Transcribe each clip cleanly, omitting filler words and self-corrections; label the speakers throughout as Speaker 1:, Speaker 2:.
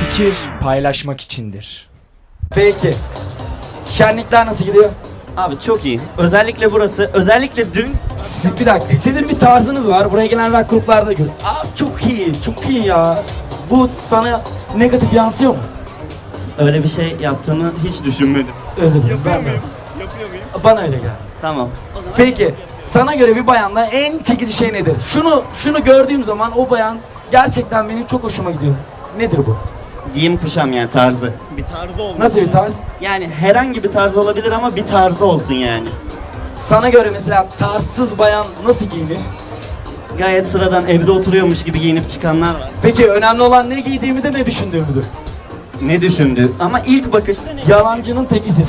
Speaker 1: Fikir paylaşmak içindir.
Speaker 2: Peki. Şenlikler nasıl gidiyor?
Speaker 3: Abi çok iyi. Özellikle burası, özellikle dün
Speaker 2: Bir dakika. Sizin bir tarzınız var. Buraya gelen rock gruplarda gör. Abi çok iyi. Çok iyi ya. Bu sana negatif yansıyor mu?
Speaker 3: öyle bir şey yaptığını hiç düşünmedim.
Speaker 2: Özür dilerim. Ben de.
Speaker 3: Yapıyor muyum?
Speaker 2: Bana öyle geldi.
Speaker 3: Tamam.
Speaker 2: Peki. Sana göre bir bayanda en çekici şey nedir? Şunu gördüğüm zaman o bayan gerçekten benim çok hoşuma gidiyor. Nedir bu?
Speaker 3: Giyim kuşam yani tarzı. Bir tarzı olmalı.
Speaker 2: Nasıl bir tarz?
Speaker 3: Yani herhangi bir tarz olabilir ama bir tarzı olsun yani.
Speaker 2: Sana göre mesela tarzsız bayan nasıl giyinir?
Speaker 3: Gayet sıradan evde oturuyormuş gibi giyinip çıkanlar var.
Speaker 2: Peki önemli olan ne giydiğimi de ne düşündüğümüdür.
Speaker 3: Ne düşündü? Ama ilk bakışta ne?
Speaker 2: Yalancının tekisin.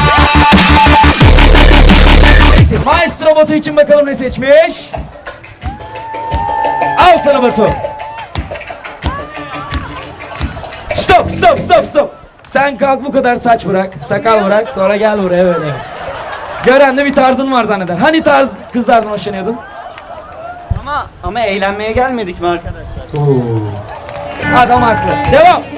Speaker 2: Peki, Maestro Batu için bakalım ne seçmiş? Al sana Batu. Stop. Sen kalk bu kadar saç bırak, sakal bırak, sonra gel buraya böyle. Gören de bir tarzın var zanneder. Hani tarz kızlardan hoşlanıyordun?
Speaker 3: Ama eğlenmeye gelmedik mi arkadaşlar?
Speaker 2: Adam haklı. Devam.